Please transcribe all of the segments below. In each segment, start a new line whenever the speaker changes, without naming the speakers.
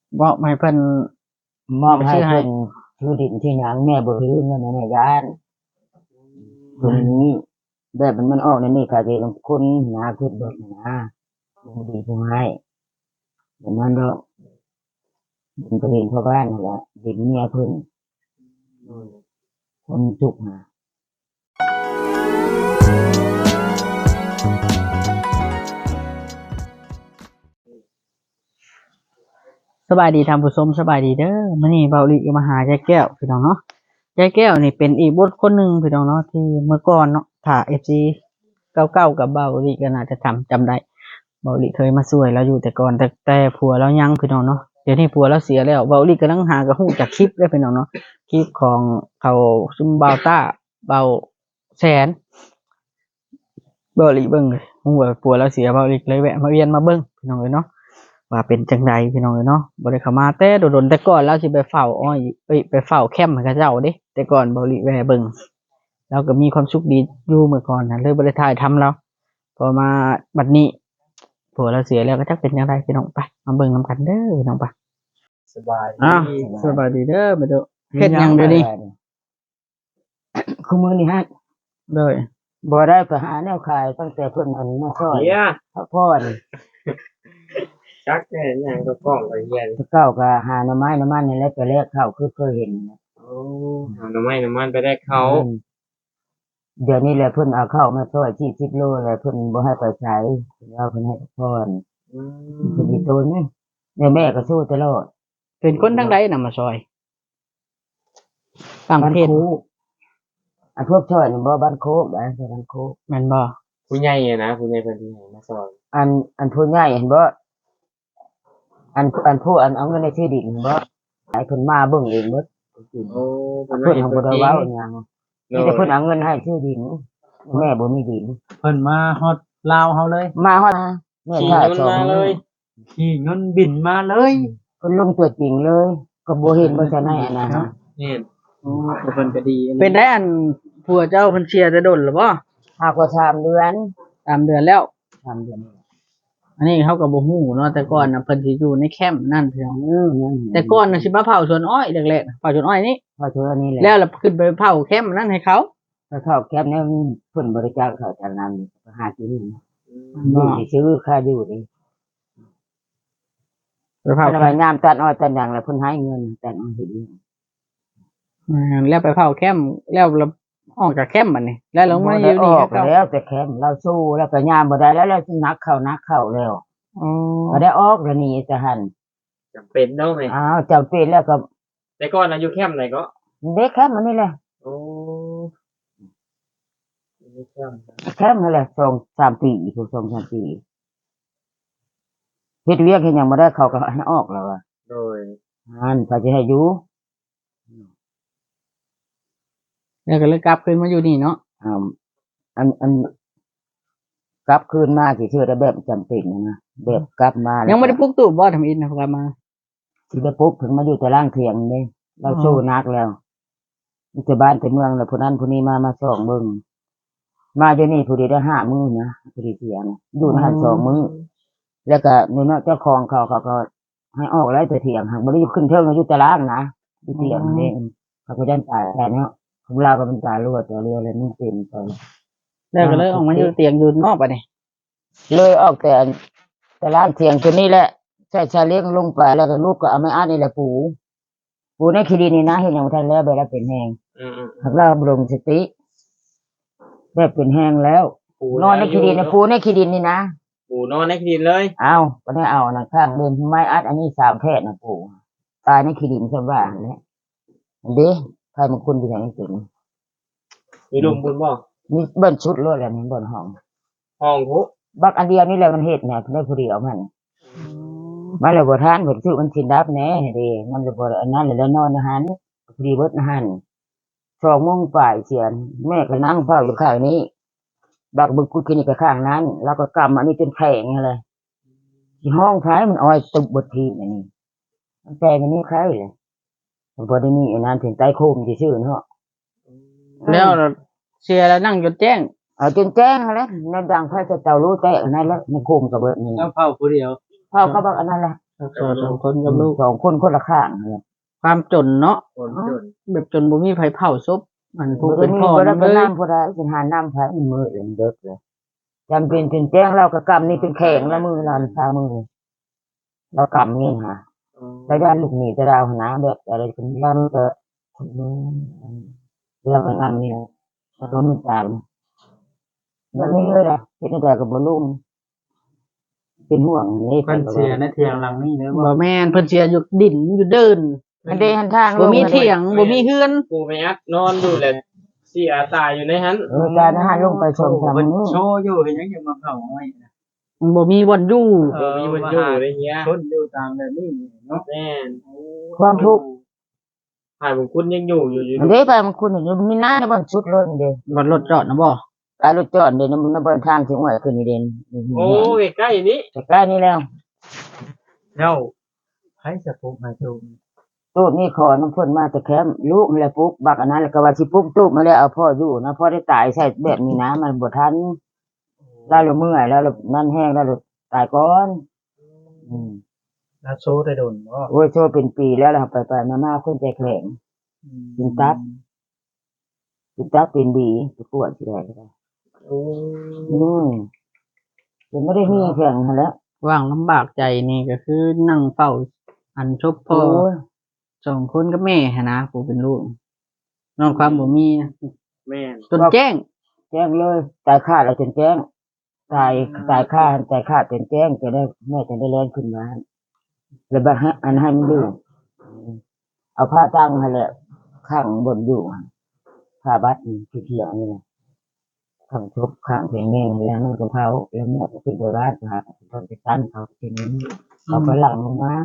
มอบให้เพิ่น
มอบให้
ชื่อให้
เพิ่นชื่อดินที่หยังแม่บ่ถือเงินแม่ย่านตรงนี้แบบมันออกในนี่ค่ะที่ลงคุณนะคิดเบิดนะบ่ดีผู้ให้อย่างนั้นดอกมันก็เห็นพ่อบ้านนั่นแหละดินเมียเพิ่นคนจุกหา
สบายดีท่านผู้ชมสบายดีเด้อมื้อนี้เบาหลีก็มาหายายแก้วพี่น้องเนาะยายแก้วนี่เป็นอีกบุคคลหนึ่งพี่น้องเนาะที่เมื่อก่อนเนาะถ้า FC เก่าๆกับเบาหลีก็น่าจะจำได้เบาหลีเคยมาช่วยเราอยู่แต่ก่อนแต่ผัวเรายังพี่น้องเนาะเดี๋ยวนี้ผัวเราเสียแล้วเบาหลีกำลังหากระหู้จากคลิปเด้อพี่น้องเนาะคลิปของเขาซุมเบาต้าเบาแสนเบาหลีเบิ่งเลยฮู้ว่าผัวเราเสียเบาหลีเลยแวะมาเวียนมาเบิ่งพี่น้องเอ้ยเนาะ ว่าเป็นจังใดพี่น้องเอ้ยเนาะบ่ได้เข้ามาแต่โดนๆแต่ก่อนเราสิไปเฝ้าอ้อยไปเฝ้าแคมป์ให้เขาเจ้าเด้แต่ก่อนบ่ริแวเบิ่งเราก็มีความสุขดีอยู่เมื่อก่อนน่ะเลยบ่ได้ถ่ายทำเราพอมาบัดนี้ผัวเราเสียแล้วก็จักเป็นจังไดพี่น้องไปมาเบิ่งนำกันเด้อพี่น้องไป
สบาย
อ้าว
ดี
สบายดีเด้อมาดูเฮ็ดหยังเดี๋ยวนี้
คือมื้อนี้ฮะ
เลย
บ่ได้ไปหาแนวขายตั้งแต่เพิ่นอันมาซอย
เฮีย
พักผ่อน
จักแน่ยังก็กล้องไปเฮียน
แต่เก้าก็หาหน่อไม้น้ำมันนี่แหละไปแลกข้าวคือเคยเห็นนะ
โอ้เอาน้ำไม้น้ำมันไปได้เขา
เดี๋ยวนี้แหละเพิ่นเอาข้าวมาซอย40 โลแล้วเพิ่นบ่ให้ไปใช้แล้วเพิ่นให้พักผ่อน
อืม
เพิ่นสิโตนนี่แม่ก็สู้ตลอด
เป็นคนทางใดน่ะมาซอยต่างประเทศ
บ้านโคกอันพวกช่อยนี่บ่บ้านโคกได้บ้านโคก
แม่นบ่
ผู้ใหญ่อะนะผู้ใหญ่เพิ่นที่ให้มาสอน
อันผู้ใหญ่เห็นบ่อันผู้อันเอาเงินในที่ดินเห็นบ่ให้เพิ่นมาเบิ่งเองเบิด
โอ้เพิ่น
เพิ่น
ให้
ทำ
เพิ่
บ่
น
ได้
จริง
เว้าหยัง
โด
มี
ย
แต่เพิ่นเอาเงินให้ที่ดินแม่บ่มีดิน
เพิ่นมาฮอดลาวเฮาเลย
มาฮอดแม่
ขี่
ท่า
มัน
สอง
มาเลย
ขี่เงินบินมาเลย
เพิ่นลงตัวจริงเลย ก็บ่เห็นบ่ซันให้อันนะฮะ
นี่
โอ้เพิ่นก็ดี
เป็นได้อันผัวเจ้าเพิ่นเชียร์จะดนหรือบ่
หากว่า3 เดือน
ตามเดือนแล้ว
3 เดือน
อันนี้เขาก็บ่ฮู้เนาะแต่ก่อนน่ะเพิ่นสิอยู่ในแคมป์นั่นพี่น้อง
นั่น
แต่ก่อนน่ะสิมาเผาสวนอ้อยแรกๆน่ะเผาสวนอ้อยนี่
พอเท่านี้แหละ
แล้วเราขึ้นไปเผาแคมป์นั่นให้เขา
ถ้าเข้าแคปเนี่ยเพิ่นบริจาคข้าวจานน้ำนี่ก็หากินนี่
บ่
สิซื้อค่าอยู่นี่
ไปเผา
เพิ่น
แค
ไป
มป์
งามตัดอ้อยตัดหยังแล้วเพิ่นให้เงินตัดอ้อยเฮ็ดอีก
แล้วไปเผาแคมป์แล้วเราออกจากแคมป์บัดนี้แล้วเรามาอยู่
อ
นี่
อก
ก็
แล้วแต่แคมเราสู้แล้วก็ยามบ่ได้แล้วแล้วนักเข้าแล้ว
อ๋อ
ก็ได้ออกแล้วนี่จะหัน
จำเป็นเนาะแม่
อ้าวจำเป็นแล้วก็
แต่ก่อนน่ะอยู่แคมป์ไหนก็
เด็กแคมป์อันนี้แหละ
โอ้อยู่แคมป์นะ
แคมป์นั่นแหละ2-3 ปีถูก2-3 ปีเฮ็ดเวียกเฮ็ดหยังบ่ได้เขาก็ให้ออกแล้วอ่ะ
โดย
อันเขาจะให้อยู่
แล้วก็เลยกลับขึ้นมาอยู่นี่เนาะ
อ่าอันกลับคืนมาสิชื่อได้แบบจำเป็นนะแบบกลับมาแล้ว
ยังไม่ได้ปลุกตู้บ่ทำอินนะกลับมา
สิได้ปุ๊บถึงมาอยู่แต่ล่างเถียงนี่เราสู้นักแล้วมีแต่บ้านแต่เมืองแล้วผู้นั้นผู้นี้มาส่องเบิ่งมาเดี๋ยวนี้ผู้เดียวได้5 มื้อนะผู้เดียวเสียนะอยู่ในหัน2 มื้อแล้วก็นี่เนาะเจ้าของเขาก็ให้ออกแล้วแต่เถียงหากบ่ได้ขึ้นเทิงอยู่แต่ล่างนะอยู่เถียงนี่เขาก็ยันตายแต่เนาะของเราก็เป็นตายรวดตัวเรียวเลยมันเป็นไป
แล้วก็เลยออกมาอยู่เตียงอยู่นอกบัดนี้
เลยออกแต่ร้านเถียงตัวนี้แหละใช่ชาเลี้ยงลงไปแล้วก็ลูกก็เอาไม้อัดนี่แหละปูในคีดีนี่นะเห็นอย่างบ่ทันแล้วแบบเป็นแหง
อืม
หากเราบรมสติแบบเป็นแหงแล้ว
ๆปู
นอนในคีดีนะปูในคีดินนี่นะ
ปูนอนในดินเลย
เอาก็ได้เอานะข้างเดินไม้อัดอันนี้3 แพทย์นะปูตายในคีดินซะว่าแหละเด้ใครมันคุณไปอย่างนี้ถึง
มีลุมบุญบ่
นี่เบิ้นชุดรถแล้วนี่เบิ้นห้อง
ห้องพุ
บักอันเดียวนี่แหละมันเฮ็ดเนี่ยได้ผู้เดียวมันมาแล้วบ่ทานเพิ่นซื้อมันสินดับแหน่เด้มันเลยบ่อันนั้นแล้วนอนอาหารพอดีเบิดอาหาร2 โมงป่ายเสียนแม่ก็นั่งเฝ้าอยู่ข้างนี้บักบึกกูกินก็ข้างนั้นแล้วก็กำอันนี้จนแข็งเลยที่ห้องท้ายมันอ้อยตุบบดทีอันนี้มันแปลงอันนี้ใครเลยมันบ่ได้มีอันนั้นถึงใต้โคมซื่อๆเนาะ
แล้วเชียร์แล้วนั่งจนแจ้ง
เอาจนแจ้งแล้วในดังไฟจะเตารู้แตกอันนั้นแล้วในโคมก็เบิดนี่
แล้วเผาผู้เดียว
เฝ้าก็บักอันนั้นแหละ
รักษาสองคนกับลูก
สองคนคนละข้างเนี่ย
ความจนเนาะ
คนจน
แบบจนบ่มีไผเผาศพมันผู้
บ่
เป็
ได้
น
มี
พ่อ
บ่ได้
นำ
ไป
เลย
น้ำผู้ใดสิหาน้ำไผมือเอ็นเด็กเลยจำเป็นจนแจ้งเราก็กำนี่เป็นแข็งละมือเราพามือเรากำนี่ฮะแล้วด้านลูกหนีจะดาวหนาแบบอะไรคนบ้านก็คนนู้นเรื่องงานนี่ก็ต้องตามแบบนี้เลยนะเป็นแต่กับบ่ลุ่มเป็นห่วงนี่
เพิ่นเสียในเถียงหลังนี่เลยบ่
บ่แม่นเพิ่นเสียอยู่ดินอยู่เดิน
มันได้หันทาง
บ่มีเถียงบ่มีเฮือน
กูไปอัดนอนอยู่แหละเสียตายอยู่ในหัน
การหันลงไปชมทาง
เพิ่น
นู้น
โชว์อยู่เห็นยังจะมาเผาอ้อยนะ
บ่มีบ่อนอยู่
มีมันอยู่อะไรเงี้ย
ชนอยู่ตามแบบนี้เนาะ
แม่น
ความทุกข์
ถ่ายบุญคุณยังอยู่อยู่
มันได้ไปมันคุณอยู่มีหน้าในบ้านชุดเลยเด้
บ่อนรถจอดนะบ่
การรถจอดเด่นในบ้านทางถึงหัวขึ้นนี่เด่น
โอ้ยใกล้นี้
แต่ใกล้นี่แล้ว
แล้วไผจะปลูกให้ตูม
ตู้นี่ขอน้ำพ่นมาแต่แคมลูกนี่แหละปุ๊กบักอันนั้นแล้วก็ว่าสิปุ๊กตู้มาแล้วเอาพ่ออยู่นะพ่อได้ตายใส่แบบนี้นะมันบ่ทันแล้วเราเมื่อยแล้วนั่นแห้งแล้วตายก่อนอืม
แล้วโชว์ได้โดนบ่
โอ้ยโชว์เป็นปีแล้วล่ะไปมาคนใจแข็งกินตับเป็นดีไปปวดสิได้ก็ได้
โอ้
อืมยังไม่ได้มีแข็งหั่นแหล้ว
ว่างลำบากใจนี่ก็คือนั่งเฝ้าอันชบพ่อ
โอ้ย
สองคนกับแม่หั้นนะผู้เป็นลูกนอกความบ่มีนะ
แม่น
จนแจ้ง
แจ้งเลยตายค่าแล้วจนแจ้งตายค่าจนแจ้งจะได้แม่จะได้เล่นขึ้นมาแล้วบัดให้อันให้มันอยู่เอาผ้าตั้งให้แหละข้างบนอยู่ผ้าบัดนี่ที่เที่ยวนี่แหละข้างทุบข้างเพียงแม่แล้วนั่นก็เผาแล้วแม่ก็ขึ้นไปบ้านมาตอนไปตั้นเขาทีนี้เขาก็หลังลงมา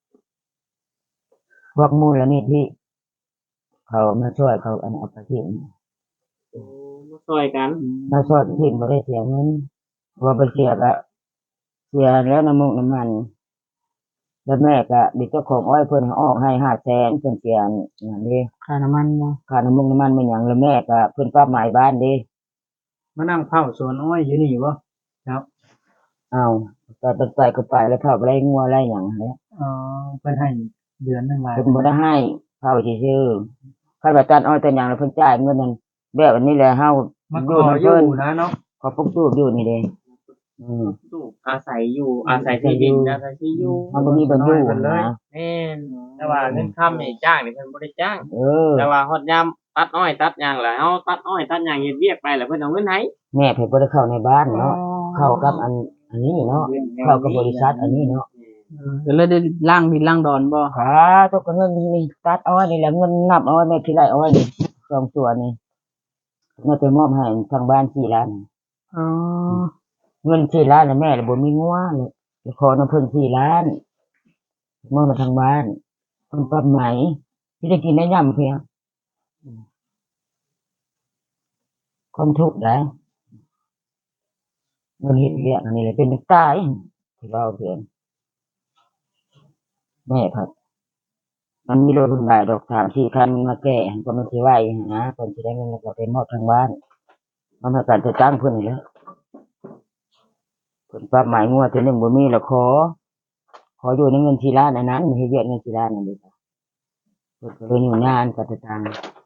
พวกมูลนิธิเขามาช่วยเขาอันเอาไปทิ้ง
โอ้มาซอยกัน
มาช่วยทิ้งไม่ได้เสียเงินว่าไปเสียก็เสียแล้วน้ำมันแล้วแม่ก็ดิเจ้าของอ้อยเพิ่นออกให้500,000เพิ่นเสียอย่างนี้
ค่าน้ำมันบ่
ค่าน้ำมันมันอย่างแล้วแม่ก็เพิ่นปรับหมายบ้านเด้
มานั่งเผาสวนอ้อยอยู่นี่บ่ครับ
เอาไปก็ไปแล้วเข้าไปไล่งัวไล่หยังนั่นแหละ
เพิ่นให้เดือนหนึงหลาย
เพิ่นบ่ได้ให้เข้าซื่อๆคันว่าตัดอ้อยตัดหยังแล้วเพิ่นจ่ายเงินนั่นแบบอันนี้แหละเฮา
มาข
อยู่
อ
นำ
อยู่
เพิ่น
นะเนาะ
ขอปลูกตู้อยู่นี่เด้ม
อาศัยอยู่อาศัยที่ดินอาศัยที่อยู่
มันบ่มีบ่อยู่นะ
แม่นแต่ว่าเงินค่ำนี่จ้างนี่เพิ่นบ่ได้จ้าง
เออ
แต่ว่าฮอดยามตัดอ้อยตัดหยังล่ะเฮาตัดอ้อยตัดหยังเฮ็ดเวียกไปแล้วเพิ่นเอาเงินให้
แม่เพิ่นบ่ได้เข้าในบ้านเนาะเข้ากับอันนี้เนาะเข้ากับบริษัทอันนี้เนาะ
ก็เลยได้ล่างดินล่างดอนบ่
ขาตัวก็เงินนี่ตัดอ้อยนี่แหละเงินนับอ้อยแม่ที่ไรอ้อยนี่2ตัวนี่แม่ไปมอบให้ทางบ้าน4ล้าน
อ๋อ
เงิน4ล้านน่ะแม่น่ะบ่มีงัวเลยไปขอนำเพิ่น4ล้านมอบมาทางบ้านเพิ่นปรับไหมที่ได้กินได้ย่ํเพียงความทุกข์ได้เงินเฮ็ดเวียกอันนี้แหละเป็นตายที่เราเพียงแม่ครับมันมีรถรุ่นใดดอก3-4คันมาแก้ก็มันสิไหวนะเพิ่นสิได้เงินแล้วก็ไปมอบทางบ้านมันมาการจะจ้างเพิ่นนี่แหละเพิ่นปรับหมายงัวที่นึงบ่มีแล้วขออยู่ในเงิน4ล้านอันนั้นเฮ็ดเวียกเงิน4ล้านนั่นเด้อเพิ่นก็เลยอยู่งานก็จะตัง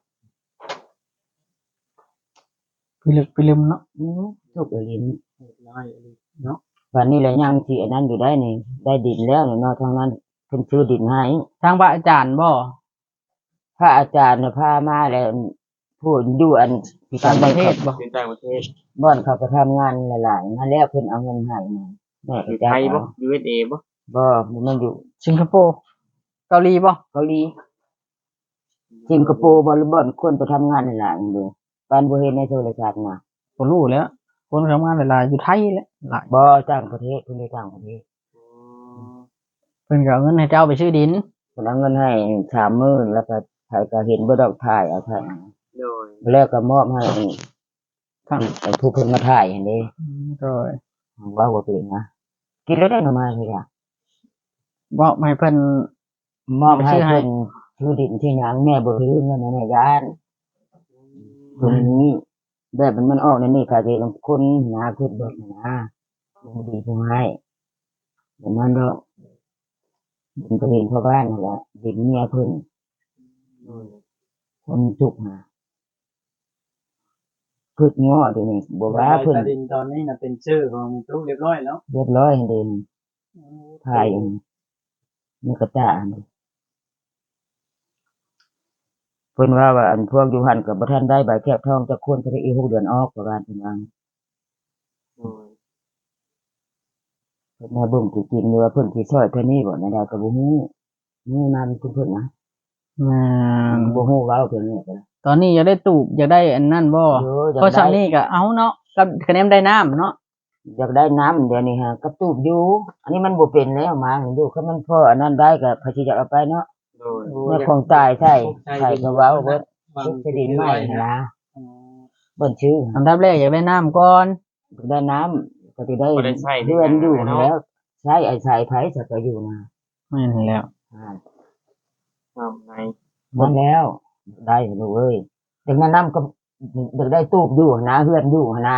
ไปลืมเนาะ
ทุกข์ลิ้น
น้อยเนาะ
วันนี้แหละยังสิอันนั้นอยู่ได้นี่ได้ดินแล้วนี่เนาะทางนั้นเพิ่นซื้อดินให้
ทางพระอาจารย์บ่
พระอาจารย์น่ะพามาแล้วพูดอยู่อันที่
ต่างประเทศ
บ่
บ่
เป็นต่างประเทศ
บ่อนเขาก็ทำงานหลายๆนั่นแล้วเพิ่นเอาเงินให้มาแม่
อ
ก็
ยู่
จ้า
ไท
ง
ยบ่
เอา
USA บ่
บ่มันอยู่
สิงคโปร์เกาหลีบ่
เกาหลีสิงคโปร์บ่หรือบ่อนคนไปทำงานหลายๆนี่เด้ปานบ่เห็นในโทรศัพท์น่ะ
บ่รู้แล้ว คนทำงานหลายๆอยู่ไทยแหละหลาย
บ่ต่างประเทศเพิ่นได้ต่างประเทศ
เพิ่นก็เอาเงินให้เจ้าไปซื้อดิน
เพิ่นเอาเงินให้30,000แล้วก็ไผก็เห็นบ่ดอกถ่ายเอาถ่าย
โดย
แล้วก็มอบให้
ครับ
ไอ้ผู้เพิ่นมาถ่ายหั่นเด้
โดย
ว่าบ่เป็นนะกินแล้วได้หน่อไม้เลยอ่ะ
บ่ให้เพิ่น
มอบให้
ชื่อให้
เพิ่นชื่อดินที่หยังแม่บ่ถือเงินให้แม่ย่านเพิ่นนี้แบบมันออกในนี่ค่ะสิลงคนนะคิดเบิดนะบ่ดีผู้ให้เดี๋ยวมันดอกดินก็เห็นพ่อบ้านนั่นแหละดินเมียเพิ่นคนจุกมาพืชง้อเดี๋ยวนี้บ่ว่าเพิ่น
ใบตะดินตอนนี้น่ะเป็นชื่อของมีตู้เรียบร้อยแล้ว
เรียบร้อยเดินถ่ายนี่กระจ่างเพิ่นว่าอันพวกอยู่หันกับบ่ทันได้ใบแคบทองจะควรจะได้อีก6 เดือนออกประมาณนี้นะเพิ่นมาเบิ่งจริงๆว่าเพิ่นสิช่วยเท่านี้บ่ได้ก็บ่ฮู้นี่นำเพิ่นนะ
แม่น
บ่ฮู้เว้าเพิ่นนี่ก็
ตอนนี้อยากได้ตูบอยากได้อันนั่นบ่
เอออยาก
เพราะ
ได้
ซันนี่ก็เอาเนาะกับคะแนนได้น้ำเนาะ
อยากได้น้ำเดี๋ยวนี้ฮะกระตูบอยู่อันนี้มันบ่เป็นแล้วมาเห็นอยู่คันมันพออันนั้นได้ก็พระสิจะเอาไปเนาะ
โดย
เมื่อของตายใช่ใช่ก็เว้าเบิดสิดินใหม่นะเบิ่นชื่อ
อันดับแรกอยากได้น้ำก่อน
ได้น้ำก็จะได้เดือนอยู่แล้วใช้ไอ้สายไผ่สักก็อยู่นะ
แม่นแล้ว
ใน
มันแล้วได้ดูเอ้ยดังนั้นน้ำก็ได้ตูบอยู่นะเฮือนอยู่นะ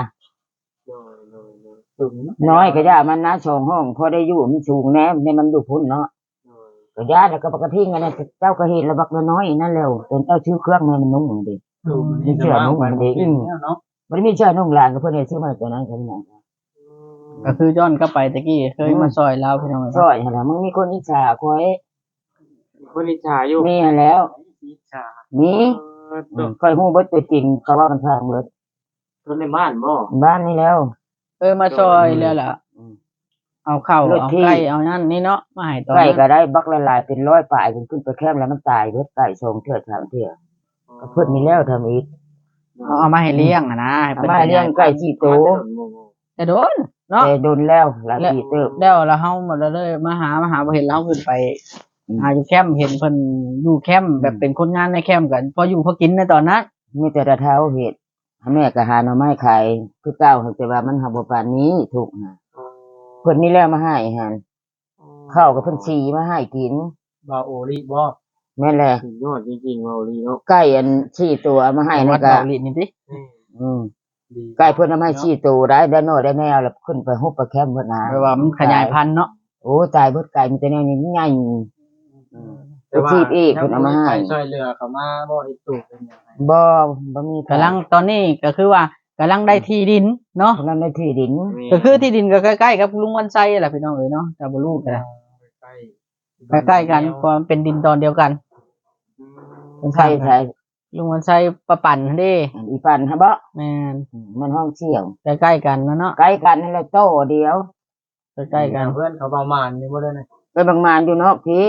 ตุ่มเนาะ
น้อยก็ย่ามันนะช่องห้องพอได้อยู่มันสูงแน่ในมันอยู่พุ่นเนาะก็ย่าแล้วก็ปกติงั้นเจ้าก็เห็นระบักน้อยนั่นแล้วจนเจ้าชื่อเครื่องให้มันนุ่งดิ
ตุ่ม
นี่เชื่อนุ่งมันดี
เนาะ
มันไม่ใช่นุ่งลานก็เพื่อนให้ซื้อมาตัวนั้นก็ไม่นาน
ก็คือย้อนกลับไปตะกี้เคยมาซอยเราพี่น้อง
ซอยอะไรมึงมีคนอิจฉาคอย
คนอิจฉาอยู่
มีแล้ว
อิจฉา
มีคอยหู้เบิดตัวจริงเขาว่ากันทางเบิด
คนในบ้านบ่
บ้านนี่แล้ว
มาซอยแล้วล่ะเอาเข้าวเอาไก่เอานั่นนี่เนาะมาให้ตอน
ไก่ก็ได้บักละลายเป็นร้อยป่ายจนขึ้นไปแคมแล้วมันตายเบิดไก่ทรงเถื่อทางเถื่อก็เพิ่นมีแล้วทำอีก
เอามาให้เลี้ยงอะนะให้พิ่น
มาเลี้ยงไก่สี่ตัว
แต่โดนเนาะ
แต่โดนแล้วหลายปีเติบ
แล้วเฮาหมดเลยมาหาบ่เห็นเราขึ้นไปหาอยู่แคมป์เห็นเพิ่นอยู่แคมป์แบบเป็นคนงานในแคมป์กันพออยู่พอกินในตอนนั้น
มีแต่ระเท้าเห็ดแม่ก็หาหน่อไม้ขายคือเก่าแต่ว่ามันหาบ่ปานนี้ถูกหาเพิ่นมีแล้วมาให้หันข้าวกับเพิ่นชีมาให้กิน
บาโอริบ่
แม่นแหละ
สุดยอดจริงๆเว้าลีเนาะ
ไก่อันชี้ตัวมาให้
วั
นั่
ด
นก็
เบาลินนี่ติ
อืม
ดี
ไก่เพิ่นเอามาให้ชี้ตัวได้น้อยได้แนวแล้วขึ้นไปฮุบไปแคมป์เพิ่นหา
แปลว่ามันขยายพันธุ์เนาะ
โอ้ตายเบิดไก่มีแต่แนวนี้ใหญ่
แต่ว่า
ชีพอีกเพิ่นเอามาให้
ช่วยเหลือเขามาบ่เฮ็ดตุ่มเป็นยังไง
บ่มี
กำลังตอนนี้ก็คือว่ากำลังได้ที่ดินเนาะ
กำลังได้ที่ดิน
ก็คือที่ดินก็ใกล้ๆกับลุงวันไซแหละพี่น้องเอ๋ยเนาะแต่บ่รู้กัน
ใกล้
ใกล้ๆกันเพราะมันเป็นดินตอนเดียวกัน
ใช่ใช่
ลุงวันไซประปั่นหั่นเด้
อีปันฮะบ่
แม่น
มันห้องเสี่ยว
ใกล้ๆกันเนาะ
ใกล้กันนั่นแหละโตเดียว
ใกล้ๆกัน
เพื่อนเขาประมาณนี้บ่ได้นะ
ไปบางมานอยู่นอกพี่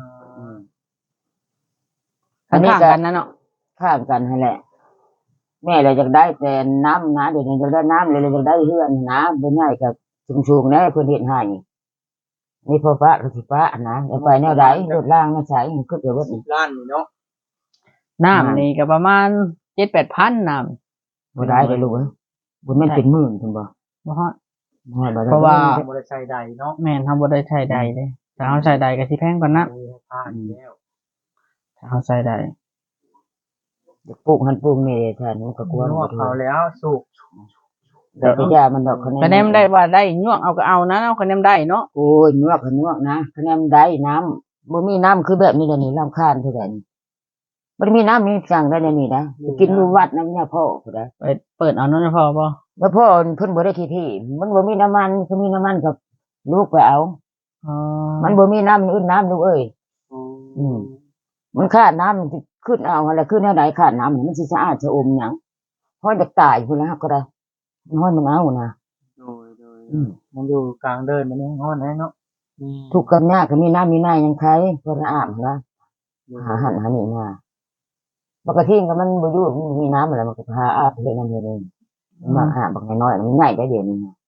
อั
ข้าน
นี้
ง
ก็
ๆกันนะเนาะ
ข้ามกันนั่นแหละ แม่เราจะได้แต่น้ำนะเดี๋ยวนี้จะได้น้ำเลยเราจะได้เฮือนนะเป็นง่ายกับชุมๆนะเพื่อนเห็นให้นี่พอฟ้าก็สิฟ้านะจะไปแนวใดรถล่างไม่ใช่ขึ้นเดี๋ยววัด
10 ล้านนี่เนาะ
น้ำนี่ก็ประมาณ 7-8,000น้ำ
บ่ได้เลยลูกเอ้ยบุญมันเป็นหมื่นคุณบ่
บ่ฮอด
บ่ได้
เพราะว่า
บ่ได้ใช้ใดเนาะ
แม่นทำบ่ได้ใช้ใดเด้ถ้าเฮาใช้ใดก็สิแพงกว่านั้น
ผ่านแล้ว
ถ้าเฮาใช้ใด
ปลูกหันปลูกนี่แทนมันก็กลัว
นวดเขาแล้วสูบ
แต่ก็ยามันดอกคะ
คะแนนได้ว่าได้ยวกเอาก็เอานะเอาคะแนนได้เนาะ
โอ้ยนวกนวกนะคะแนนได้น้ำบ่มีน้ำคือแบบนี้เดี๋ยวนี้รำคาญเท่าไหร่นี่บ่มีน้ำมีสั่งได้เดี๋ยวนี้นะกินอยู่วัดนะเนี่ยพ่อผู้ใด
ไปเปิดเอานั่นนะพอบ่
แล้วพ่อเพิ่นบ่ได้ที่มันบ่มีน้ำมันคือมีน้ำมันกับลูกไปเอา
อ๋อ
มันบ่มีน้ำอื่นน้ำลูกเอ้ยมันขาดน้ำมันสิขึ้นเอาอะไรขึ้นแนวใดขาดน้ำมันสิสะอาดสะอมหยังพอจะตายพุ่นแล้วก็ได้น้อยมันเอานะ
โดย
มันอยู่กลางเดินมันนี่ฮ้อนแน่เนาะ
ทุกข์กับยากก็มีน้ำมีหน้ายังใครพอจะอาบนะหาหันหานี่มาปกติก็มันบ่อยู่มันมีน้ำอะไรมันก็พาอาบเฮ็ดนั่นเฮ็ดนี่มาอาบบักน้อยๆมันง่ายได้เดี๋ยวนี้นะ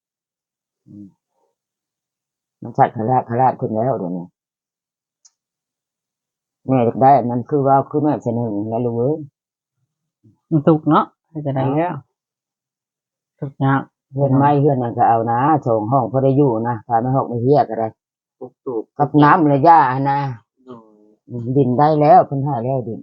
มันชัดขลาดขึ้นแล้วเดี๋ยวนี้แม่อยากได้อันนั้นคือว่าคือแม่เสนอแล้วลูกเอ้ย
มันสุกเนาะให้จะได้แล้วทุกอย่าง
เพื่อนไม้เพื่อนนั่นก็เอานะส่งห้องพอได้อยู่นะพาไม่หกไม่เฮียก็ได้
ตุก
กับน้ำระยะนะดินได้แล้วเพิ่นให้แล้วดิน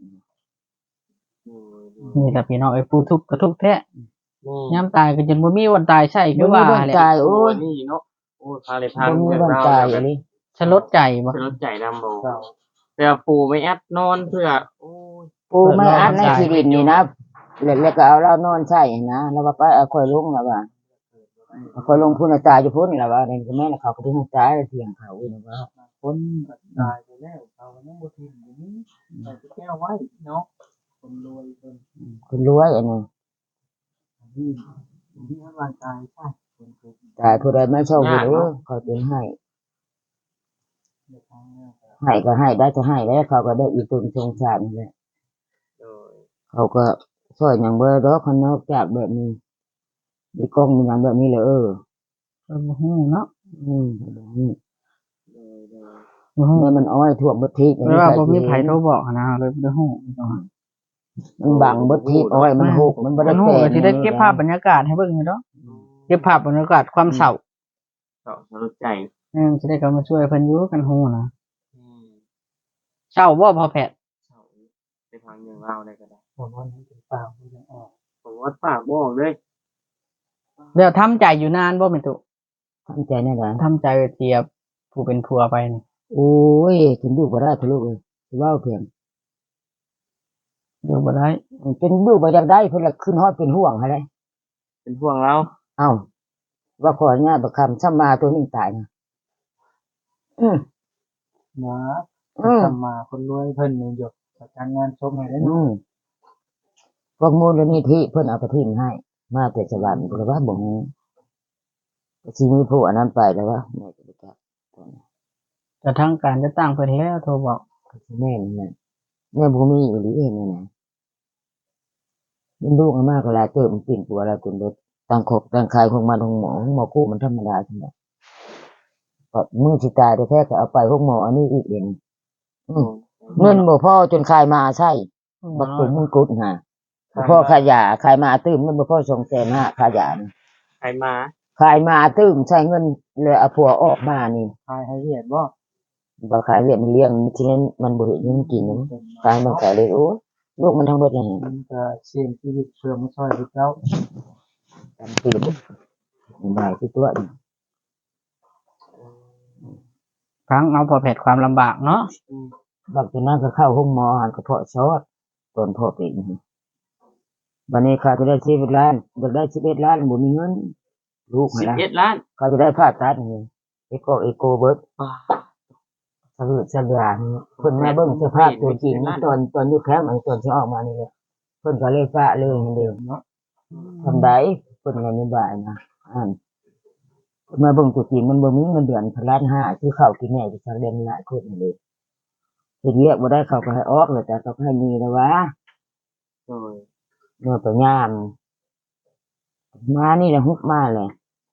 นี่แหละพี่น้องไอ้ผู้ทุกข์ก็ทุกข์แท้ยามตายก็จนบ่มีวันตายใช่คือว่า
บ่มีวัน
แหละ
ตายโอ้ย
นี่เนาะโอ้ยพาเลยทาง
บ่มี
เรื่อง
วัน
ราว
ตาย
แบบ
อันนี้
ฉลดใจบ่
เพื่อลดใจดำโบเพื่อปูไม่แอดนอนเพื่อโอ้ย
ปูไม่อัดในที่ดินนี่นะแล้วก็เอาเรานอนใช่นะแล้วว่าไปเอาค่อยลงแล้วว่าเอาค่อยลงพุ่นน่ะตายอยู่พุ่นแล้วว่านี่ก็แม่นเขาก็ถึงตายเถียงเขาอีกนะว่า
คนก็ตายไปแล้วเขาก็ยังบ่ทิ้งอยู่นี่แต่แก้วไว้เนาะคนรวยคน
คนรวยอันนี้
ที่ร่างกายใช่คนเคย
ตายผู้ใดไม่ชอบผู้รู้เขาเป็นให้ให้ก็ให้ได้ก็ให้แล้วเขาก็ได้อีกตึงสงสารนั่นแหละ
โดย
เขาก็ช่วยอย่างเบอร์ดอกคนนอกจากแบบนี้มีกล้องมีอย่างแบบนี้เลย
บ่ฮู้เนาะ
โดย
บ่ฮู้
แม่มันอ้อยท่วมบดทิพย์
เพราะว่าบ่มีไผโทรบอกนะเลยบ่ได้ฮู้
มันบังบดทิพย์อ้อยมันหกมันบ่ได้
ฮู้
แปล
ก็
ง
สิได้เก็บภาพบรรยากาศให้เบิ่งอยู่เนาะเก็บภาพบรรยากาศความเศร้า
ก็ลดใจ
สิได้เข้ามาช่วยเพิ่นอยู่กันฮู้นะ
อืม
เศร้าบ่พอแพทย์
เศร้าไปฟังเรื่องเล่าได้ก็ได้
ผมว่านี่เป็นเปล่าไม่ยังออก
ผมว่าปากบอกเลย
แล้วทำใจอยู่นานบ่แม่นตุ
ทำใจแน่นอน
ทำใจเทียบผู้เป็นผัวไปนี่
โอ้ยถึงดูบ่ได้ทะลุเลยสิว่าเพียง
อยู่บ่ได้
เป็นดูบ่อยากได้เพิ่นละขึ้นฮอดเป็นห่วงให้เลย
เป็นห่วงเรา
เอ้าว่าขออนุญาตบักคำซ้ำมาตัวนี้ตายนะ
นะ
อืม
ทำมาคนรวยเพิ่นนี่หยดประกันงานชมให้ได้
อืมพวกมูลนิธิเพิ่นเอาไปทิ้งให้ มาแต่สวรรค์แต่ว่าบ่ฮู้สิมีผู้อันนั้นไปแล้วว่าแม่จะไปจับ
แต่ทางการจะตั้งเพิ่นแล้วโทรบอก
แม่นี่แหละแม่บ่มีอีหลีเองนี่นะมันลูกมากเวลาเจอมันปิ่นตัวแล้วคุณรถตั้งคบตั้งคายของมันของหมอกู้มันธรรมดาจังได๋ก็มือสิตายแท้ๆก็เอาไปพวกหมออันนี้อีกเด่นเงินบ่พอจนคายมาใช่บักตุ่มมึงกุดหาพ่อขายาขายมาตื้มเงินบ่พอ250,000ขายานี่
ใครมา
ขายมาตื้มใช้เงินเลยเอาผัวออกมานี่
ทายให้เรียดบ่
บ่ขายเลี้ยงมันเลี้ยงที่นั้นมันบ่เห็นมันกินนะขายมันขายเลยโอ้ลูกมันทั้งเบิดเลย
มันก็เสี่ยงชีวิตเชื่อมาช่วยพวกเจ้า
จำปีบ่ได้ที่ตัวนี่
ฟังเอาพอแพทย์ความลำบากเนาะ
บักตัวนั้นก็เข้าห้องหมอหันกระเพาะซอดตอนพ่อเป็นบัดนี้ข้าจะได้11 ล้านอยากได้11 ล้านบ่มีเงินลูกหั่นล่ะ
11 ล้าน
ข้าจะได้ผ่าตัดนี่เอโกเบิด
ว้า
สะดุดสะเดือนเพิ่นแม่เบิ่งสภาพตัวจริงตอนอยู่แคมป์อันตอนที่ออกมานี่แหละเพิ่นก็เลยฟ้าเลยนั่นเด้
เนาะ
ทำได้เพิ่นก็นบายนะเพิ่นมาเบิ่งตัวจริงมันบ่มีเงินเดือน1 ล้าน 5คือข้าวกินแหน่ที่สักเดือนหลายคนนี่เด้เฮ็ดเวียกบ่ได้เขาก็ให้ออกแล้วแต่เขาก็ให้มีแล้ววะ
โดย
เมื่อตัวงามมานี่แหละฮุบมาเลย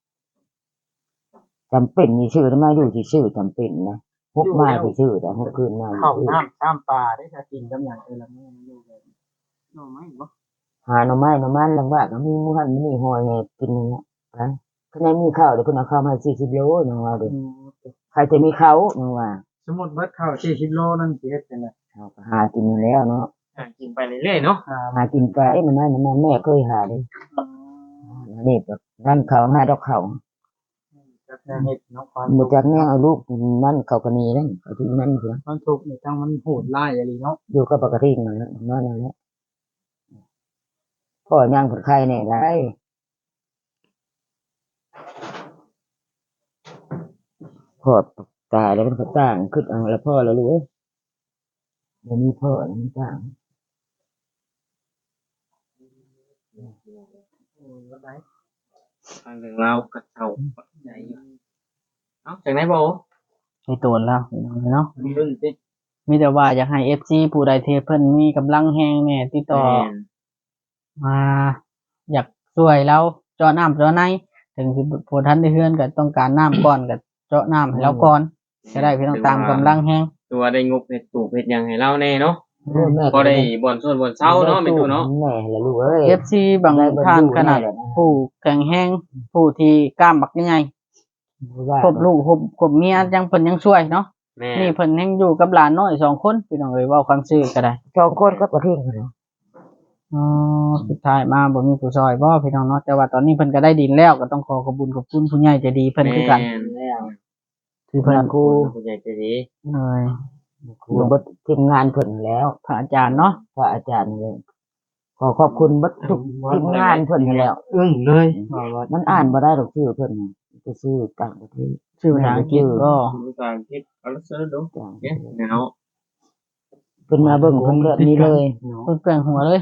จำเป็นมีชื่อมาอยู่ที่ชื่อจำเป็นนะฮุบมาที่ชื่อแต่ฮุบคืนมา
เข้าน้ำข้ามปลาได้ถ้ากินกับอย่างละมื้อมันอยู่แบบ
หน่อไม้บ่
หาหน่อไม้หน่อมันลำบากก็มีหมู่หันมีหอยให้กินอย่างเงี้ยนะคะแนนมีข้าวเดี๋ยวเพิ่นเอาข้าวมา40 โลนึงว่าเด้ใครจะมีเขานึงว่า
สมมุติว่าข้าว40โลนั่นสิเฮ็ดจังได๋
เขาก็หากินอยู่แล้วเนาะ
กินไปเรื่อยๆเนาะ
หากินไปหน่อไม้หน่อมันแม่เคยหาเด้นี่แบบนั่นเขาหาดอกเขา
จักแนวเฮ็ดเนาะความ
บ่จักแนวเอาลูกนั่นเขาก็หนีนั่นเขาที่นั่นเพิ่น
มันทุกข์นี่จังมันโหดร้ายอีหลีเนาะ
อยู่กับปกตินั่นแหละนั่นแหละพ่อย่างผลไข่เนี่ยได้พ่อตายแล้วมันก็ต่างขึ้นเอาแล้วพ่อแล้วรู้เอ้ยเดี๋ยวนี้พ่อแล้วมันต่าง
ฟังเรื่องเรากับเจ้าใจอยู่เอ้าจากไหนบ่
มีตัวแล้วพี่น้องเนาะ
มีเรื่องสิ
มีแต่ว่าอยากให้ FC ผู้ใดที่เพิ่นมีกำลังแฮงแน่ติดต่อ
แม่น
มาอยากช่วยเราเจาะน้ำเจาะในถึงสิผู้ท่านได้เฮือนก็ต้องการน้ำก่อนก็เจาะน้ำให้เราก่อนจะได้พี่น้องตามกำลังแฮง
ตัวได้งบเฮ็ดตู้เฮ็ดหยังให้เราแน่เนาะ
แม่
บ่ได้บ่อนส่วนบ่อนเช้าเนาะแม่ตู้เนาะ
แม่แล้วลูกเอ้ย
FC บางท่านขนาดผู้แข็งแรงผู้ที่กล้ามบักใหญ่ครบลูกครบเมียยังเพิ่นยังช่วยเนาะ
แม่
นี่เพิ่นยังอยู่กับหลานน้อย2คนพี่น้องเอ้ยเว้าความซื่อก็ได้
สองคนก็ประเทศกันเนาะ
อ๋อสุดท้ายมาบ่มีผู้ช่วยบ่พี่น้องเนาะแต่ว่าตอนนี้เพิ่นก็ได้ดินแล้วก็ต้องขอขอบคุณผู้ใหญ่ใจดีเพิ่นคือกัน
แม่น
แล้ว
ที่เพิ่น
ครู
ผู้ใหญ่ใจดี
เลย
ครูเบดทีมงานเพิ่นนั่นแหล้ว
พระอาจารย์เนาะ
พระอาจารย์นี่เลยขอขอบคุณเบดทุกทีมงานเพิ่นนั่นแหล้ว
อึ้งเลยว่า
มันอ่านบ่ได้ดอกชื่อเพิ่นจะชื่อต่างประเทศ
ชื่อภาษาอังกฤษก็
ภาษาอังกฤษเอาละเสิร์ชดู
ต่างประ
เนี่ย
เทศ
แนว
เพิ่นมาเบิ่งเพิ่นแบบนี้เลย
เพิ่นแกว่งหัวเลย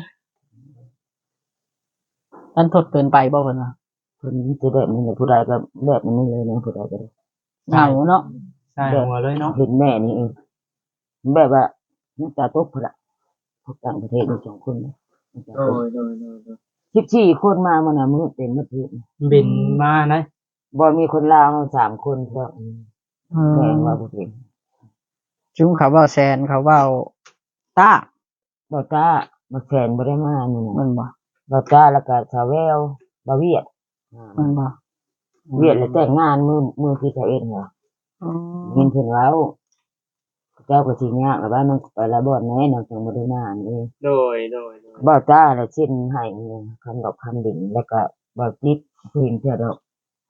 ท่านทดเกินไปบ่เพิ่นว่า
เพิ่นสิแบบนี้เลยผู้ใดก็แบบนี้เลยนะผู้ใดก็ได้
เหงาเนาะ
ใช่หัวเลยเนาะ
เห็นแม่นี่เองแบบว่าน้ำตาตกพุ่นล่ะพวกต่างประเทศนี่2คนเนี่ย
โดยโดยโดยโดย
14คนมามื้อน่ะมื้อเต็มประเทศ
บินมานะ
บ่มีคนลาวมา3คนครับแม่ว่าบ่เป็น
จุ้มเขาเว้าแซนเขาเว้าต้า
บ่ตาบ่แฟนบ่ได้มามื้อน่ะ
มันบ่
บ่ตาแล้วก็สาวแววบ่เวียด
มันบ่
เวียดแล้วแต่งงานมื้อที่เขาเอ็ดเหรอ
อ๋อ
เห็นเพิ่นเว้าเจ้าก็สิยากแล้วว่ามันไปละบ่อนแน่นอนจังบ่ได้มานี่
โดยโดยโดย
บ่ตาแล้วชิ้นให้คำดอกคำดิ่งแล้วก็บ่จิตเพิ่นเทื่อดอก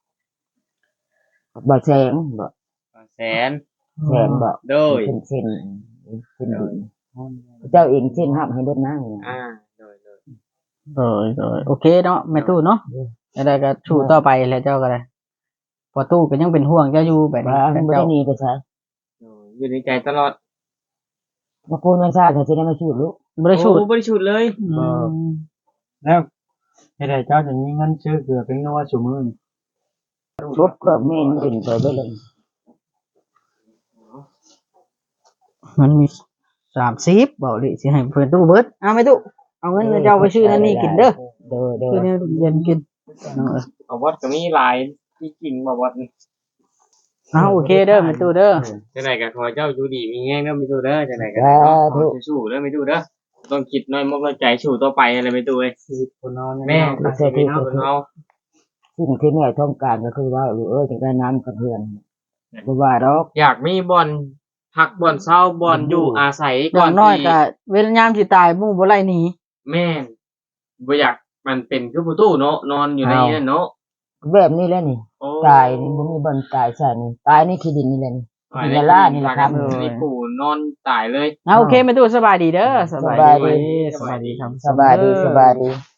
บ่แสงบ่
แสน
แสงบ่
โดย
เป็นเส้นดิ่งเจ้าเองเส้นรับให้เบิดนางนี่
โดยโดย
เลยโอเคเนาะแม่ตู้เนาะอะไรก็สู้ต่อไปแล้วเจ้าก็ได้พอตู้ก็ยังเป็นห่วงเจ้าอยู่แบบนี้
ว่าบ่
เจ้า
ได้หนีไปไส
โดยอยู่ในใจตลอด
มาปูนมันซาก็สิได้มาชูดลูก
บ่ได้สู้
โอ้บริสุทธิ์เลย
แล้วให้ได้เจ้าจะมีเงินซื้อเกลือเป็นนัวซุมื้อนี่
รถก็แม่นเป็นไปเบิดเลย
มันมี30บ่ดิสิให้เพิ่นตู้เบิดเอาแม่ตู้เอาเงินเจ้าไปซื้อนั่นนี่กินเด้อ
เด้อเด้อ
ซื้อแนวเย็นกินน้องเอ้ย
เอาวัดก็มีหลายที่กินมาวัดนี่
เอาโอเคเด้อแม่ตู้เด้อ
จังไหนก็ขอเจ้าอยู่ดีมีแง่เด้อไม่ตู้เด้อจังไหนก็ขอสู้เด้อไม่ตู้เด้อต้องคิดน้อยมกน้อยใจสู้ต่อไปอะไรไม่ตู้เอ้ย
ชีวิตคนนอน
แม่ตัดสินใจเอาเป็นเอา
สิ่งที่แม่ต้องการก็คือว่าจังได้น้ำกับเพื่อนบ่ว่าดอก
อยากมีบ่อนพักบ่อนเช่าบ่อนอยู่อาศัย
อ
ก่อย่าง น
น้อย
ที่
ก็เวลายามสิตายหมู่บ่ไล่หนี
แม่นบ่อยากมันเป็นคือประตูเนาะนอนอยู่ในนั่นเนาะ
แบบนี้แหละนี่
โอ้
ตายนี่บ่มีบ่อนตายใช่นี่ตายนี่คือดินนี่แหละนี่ดินละล่านี่แหละครับ
นี่ปู่นอนตายเลย
เอาโอเคแม่ตู้สบายดีเด้อสบายดี
สบายดี
ครับ
สบายดีสบายดี